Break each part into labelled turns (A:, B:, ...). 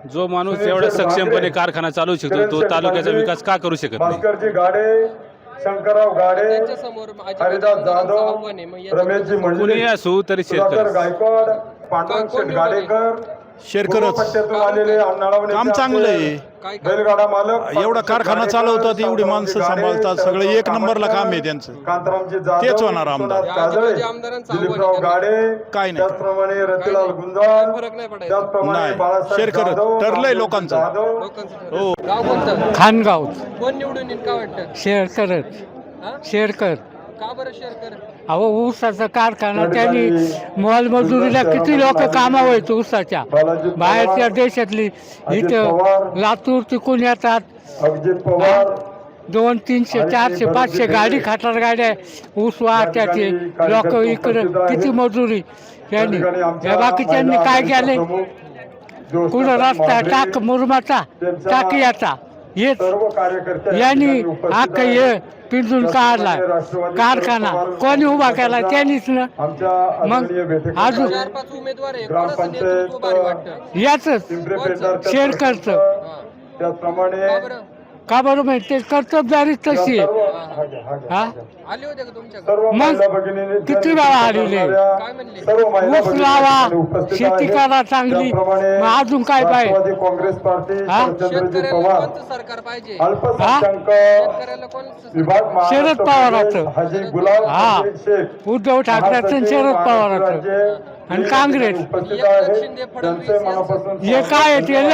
A: जो माणूस एवढा सक्षमपणे कारखाना चालवू शकतो तो तालुक्याचा विकास का करू शकत नाही?
B: भास्करजी गाडे, शंकरराव गाडे,
C: त्यांच्यासमोर
B: हरिदास जाधव, रमेशजी
A: कुणी
B: मंडळी,
A: असू तरी
B: सुधाकर
A: शेतकरी
B: गायकवाड, पांडुरंग शेठ गाडेकर,
D: शेरकरच
B: पट्ट्यातून आलेले अण्णाराव
D: काम चांगलं आहे.
B: बैलगाडा मालक,
D: एवढा कारखाना चालवतात, एवढी माणसं सांभाळतात, सगळं एक नंबरला काम आहे त्यांचं.
B: कांतारामजी जाधव,
D: तेच होणार आमदार.
B: विश्वनाथ काजळे, दिलीपराव गाडे,
D: काय नाही.
B: त्याचप्रमाणे रतिलाल गुंजाळ,
C: फरक नाही पडायचा.
B: त्याचप्रमाणे
D: नाही.
B: बाळासाहेब
D: शेरकरच.
B: जाधव,
D: ठरलंय लोकांचं.
B: जाधव,
D: हो.
C: गाव कोणतं?
E: खानगाव
C: कोण निवडून येईल का वाटतं?
E: शेअर करत
C: हा?
E: शेअर
C: का बरं शेअर कर?
E: अहो ऊसाचा कारखाना त्यांनी मोलमजुरीला किती लोक कामावर आहेत ऊसाच्या बाहेरच्या देशातली इथं लातूर तिकून येतात.
B: अभिजित पवार,
E: 200, 300, 400, 500 गाडी खाटार गाड्या ऊस वाहत्याचे लोक इकडं किती मजुरी त्यांनी या बाकीच्यांनी काय केले? कुठं रस्ता टाक मुरमाचा टाकियाचा हेच
B: सर्व कार्यकर्ते
E: यांनी अख्खा हे पिंजून काढला कारखाना कोणी उभा केला त्यांनीच ना.
B: आमच्या
E: मग
B: आदरणीय भेटेकर
E: अजून
C: 4-5 उमेदवार आहे. कोणाचं नेतृत्व भारी वाटतं?
E: याच
B: पिंपरी पेंढारकर
E: शेअर करतं.
C: हा.
B: त्याचप्रमाणे
C: का बरं?
E: का बरं माहिती ते कर्तबदारी तशी आहे. हा
C: आले होते का तुमच्याकडे?
B: सर्व
E: मग
B: महिला भगिनींनी
E: किती वेळा आलेले?
C: काय म्हणले?
B: सर्व महिला
E: ऊस
B: भगिनी
E: लावा
B: उपस्थित
E: शेती
B: आहेत.
E: करा चांगली
B: त्याचप्रमाणे
E: मग अजून काय पाहिजे?
B: राष्ट्रवादी काँग्रेस पार्टी
E: हा?
B: शरदचंद्रजी
C: शेतकऱ्याला
B: पवार,
C: कोणतं सरकार पाहिजे?
B: अल्पसंख्याक
C: शेतकऱ्याला कोणतं
B: विभाग महाराष्ट्र
E: शरद पवाराचं.
B: प्रदेश हाजी गुलाब
E: हा.
B: शेख,
E: उद्धव ठाकरेचं आणि शरद पवाराचं आणि काँग्रेस
B: उपस्थित
C: एकनाथ
B: आहेत.
C: शिंदे, फडणवीस
B: त्यांचे
C: यांचं.
B: मनापासून
E: हे काय आहे ते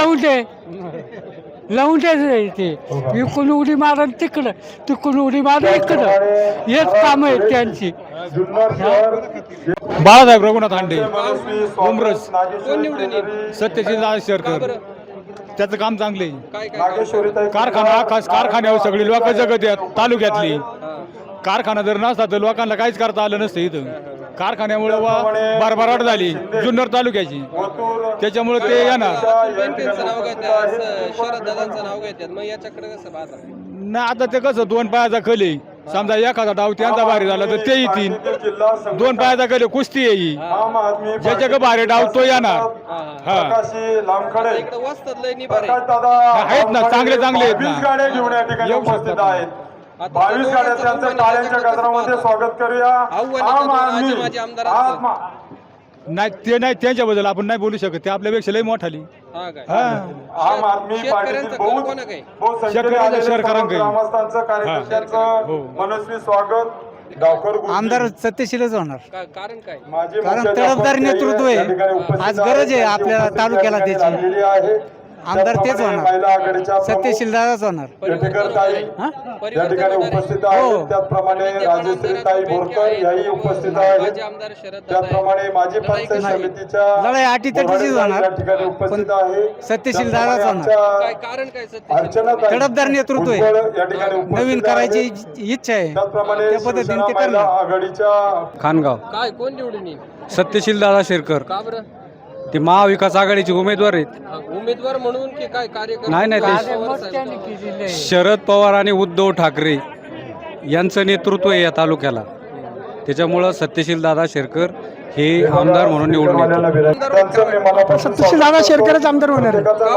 E: लावून दे ते इकडून उडी मारण तिकडं तिकडून उडी मारण इकडं हेच काम आहेत त्यांची.
B: जुन्नर शहर
A: बाळासाहेब रघुनाथ हांडे,
B: मनस्वी
A: उमरस.
C: कोण निवडून येईल?
A: सत्यशील
C: का
A: शेरकर
C: बरं?
A: त्याचं काम चांगले.
C: काय काय
B: नागेश्वरीताई
A: कारखाना कारखान्यावर सगळी लोक जगत आहेत तालुक्यातली. कारखाना जर नसता तर लोकांना काहीच करता आलं नसतं इथं. कारखान्यामुळे भरभराट झाली जुन्नर तालुक्याची, त्याच्यामुळे ते येणार
C: त्यांचं नाव घेतात, शरद दादांचं नाव घेतात. मग याच्याकडे कसं पाहता?
A: ना. आता ते कसं 2 पायाचा खले, समजा एखादा डाव त्यांचा भारी झाला तर ते येतील. 2 पायाचा खले कुस्ती येईल,
B: आम आदमी
A: ज्याच्या भारी डाव तो येणार. हा
B: प्रकाशी लांबखडे,
C: इकडे वस्तात लय निभार
B: प्रकाश
C: आहे.
B: दादा
A: आहेत ना, चांगले चांगले आहेत ना.
B: 22 गाड्या घेऊन या ठिकाणी
A: येऊ
B: उपस्थित
A: शकतात.
B: आहेत. 22 गाड्या त्यांचं टाळ्यांच्या गजरामध्ये स्वागत करूया. आम आदमी
C: माझे आमदारांचं.
B: आत्मा
A: नाही ते नाही, त्यांच्याबद्दल आपण नाही बोलू शकत, ते आपल्यापेक्षा लय मोठाली.
C: हा काय?
A: हा.
B: आम आदमी
C: शेतकऱ्यांचं
B: पार्टीतील
C: कल कोणा काय?
B: बहुत संख्येने
A: शेतकऱ्यांचं
B: आलेले सर्व
A: शेतकऱ्यांचं.
B: ग्रामस्थांचं कार्यकर्त्यांचं
A: हो.
B: मनस्वी स्वागत. गावकर गुरुजी,
F: आमदार सत्यशीलच होणार.
C: कारण काय?
B: माजी
F: कारण
B: मुख्याध्यापक
F: तडफदारी नेतृत्व आहे.
B: या ठिकाणी उपस्थित
F: आज
B: आहेत.
F: गरज आहे
B: त्यांची
F: आपल्या
B: उपस्थिती
F: तालुक्याला
B: या ठिकाणी
F: त्याची.
B: लाभलेली आहे.
F: आमदार तेच
B: त्याचप्रमाणे
F: होणार.
B: महिला आघाडीच्या प्रमुख
F: सत्यशील दादाच होणार.
B: पेठेकर ताई या ठिकाणी उपस्थित
F: हो.
B: आहेत. त्याचप्रमाणे राजश्री ताई बोरकर याही उपस्थित आहेत.
C: माझे आमदार शरद दादा आहे.
B: त्याचप्रमाणे माजी पंचायत
F: नाही.
B: समितीच्या
F: लढाई अटीतटीचीच होणार.
B: या ठिकाणी उपस्थित आहे.
F: सत्यशील दादाच होणार.
C: काय कारण काय सत्य?
B: अर्चना ताई
F: तडफदार नेतृत्व आहे.
B: भुजबळ या ठिकाणी उपस्थित
F: नवीन
B: आहेत.
F: करायची इच्छा आहे.
B: त्याचप्रमाणे
F: त्या पद्धतीने
B: शिवसेना
F: ते
B: महिला
F: करणार.
B: आघाडीच्या
G: खानगाव
C: काय कोण निवडून येईल?
G: सत्यशील दादा शेरकर
C: का बरं?
G: ते महाविकास आघाडीचे उमेदवार आहेत.
C: उमेदवार म्हणून की काय कार्यकर्ते?
G: नाही, नाही, ते-
C: पवार
E: त्यांनी
C: साहेब.
E: केलेलं आहे.
G: शरद पवार आणि उद्धव ठाकरे यांचं नेतृत्व आहे या तालुक्याला, त्याच्यामुळं सत्यशील दादा शेरकर हे आमदार म्हणून निवडून येतात.
B: सत्यशील दादा शेरकरच आमदार होणार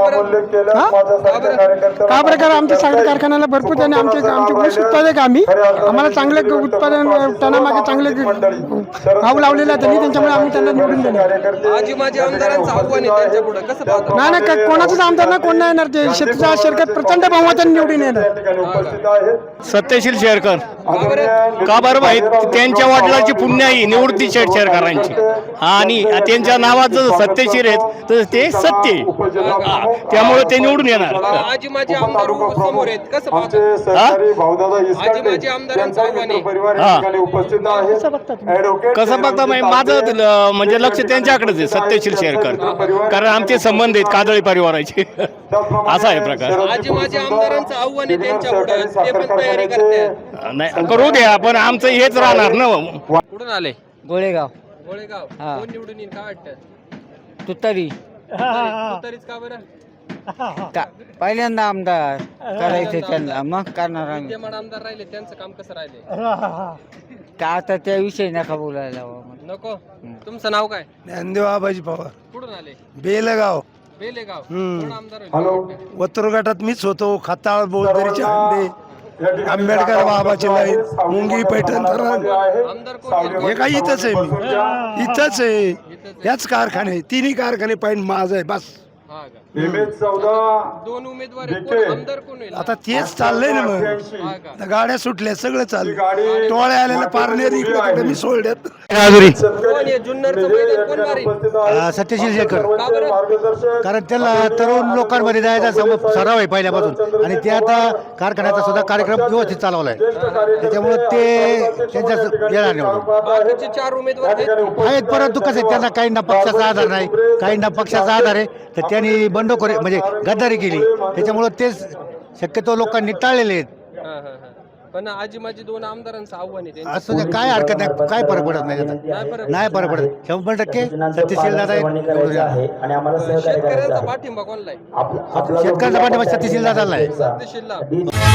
H: का प्रकार आमच्या साखर कारखान्याला भरपूर त्याने आमचे ऊस उत्पादक आम्ही आम्हाला चांगले उत्पादन त्यांना चांगले भाव लावलेला त्यांनी, त्याच्यामुळे आम्ही त्यांना निवडून दिले.
C: आजी माझे आमदारांचं आव्हान आहे त्यांच्या पुढे कसं पाहता?
H: नाही नाही कोणाचाच आमदार ना कोण नाही येणार ते शेतीचा शेरकर प्रचंड बहुमताने निवडून येणार.
I: सत्यशील शेरकर
C: का बरं?
I: का बरं माहीत त्यांच्या वडिलांची पुण्य आहे निवृत्ती शेरकरांची, आणि त्यांच्या नावाचं सत्यशीर आहेत तर ते सत्य आहे. त्यामुळे ते निवडून येणार.
C: आजी माझे आमदार समोर आहेत कसं पाहता? आजी माझे आमदारांचं आव्हान आहे.
B: उपस्थित आहे.
I: कसं बघता माझं म्हणजे लक्ष त्यांच्याकडेच आहे, सत्यशील शेरकर, कारण आमचे संबंध आहेत कादळी परिवाराचे. असा आहे प्रकार.
C: आजी माझे आमदारांचं आव्हान आहे त्यांच्या पुढे, ते पण तयारी करतात.
I: नाही करू द्या, पण आमचं हेच राहणार ना.
C: कुठून आले?
F: गोळेगाव
C: गोळेगाव.
F: हा.
C: कोण निवडून येईल काय वाटतं?
F: तुतारी
C: तरीच का बरं?
F: पहिल्यांदा आमदार करायचे त्यांना, मग करणार आम्ही.
C: विद्यमान आमदार राहिले त्यांचं काम कसं राहिले?
F: का आता त्याविषयी नका बोलायला
C: नको. तुमचं नाव काय?
D: ज्ञानदेव आबाजी पवार,
C: कुठून आले?
D: बेलगाव.
J: बेलेगाव
H: हम्म.
J: कोण आमदार होईल?
B: हॅलो
H: वत्तर गटात मीच होतो खताळ बोलदरीचे हंडे
B: या ठिकाणी
H: आंबेडकर बाबाची लाईन, मुंगी पैठण धरण.
J: आमदार कोण
H: हे काय इथंच आहे मी इथंच आहे याच कारखाने तिन्ही कारखाने पाहिजे माझं आहे बस
J: हा का?
B: MS14
J: दोन उमेदवार आहेत.
B: विखे.
J: कोण आमदार कोण होईल?
H: आता तेच चाललंय ना मग
J: हा का?
H: आता गाड्या सुटल्या सगळं चाललं
B: गाडी
H: टोळ्या आलेल्या पारनेर इकडे तिकडे मी सोडल्यात
J: कोण आहे? जुन्नरचं मैदान कोण मारेल?
H: सत्यशील शेखर
J: का बरं?
H: कारण त्याला तरुण लोकांमध्ये जायचा सराव आहे पहिल्यापासून आणि ते आता कारखान्याचा सुद्धा कार्यक्रम व्यवस्थित चालवलाय त्याच्यामुळे ते त्यांच्या येणार निवडून
J: बाकीचे 4 उमेदवार आहेत.
H: आहेत परंतु कसं आहे, त्यांना काहींना पक्षाचा आधार नाही काहींना पक्षाचा आधार आहे तर त्यांनी बंडखोरी म्हणजे गद्दारी केली त्याच्यामुळं तेच शक्यतो लोकांनी टाळलेले आहेत
J: हा, हा, हा. पण आजी माझी 2 आमदारांचं आव्हान आहे त्यांचं.
H: असं काय हरकत नाही काय फरक पडत नाही
J: नाही
H: त्याचा
J: फरक.
H: नाही फरक पडत 100% सत्यशील दादा
J: शेतकऱ्यांचा पाठिंबा कोणला आहे?
H: शेतकऱ्याचा पाठिंबा सत्यशील दादाला आहे
J: सत्यशीलला.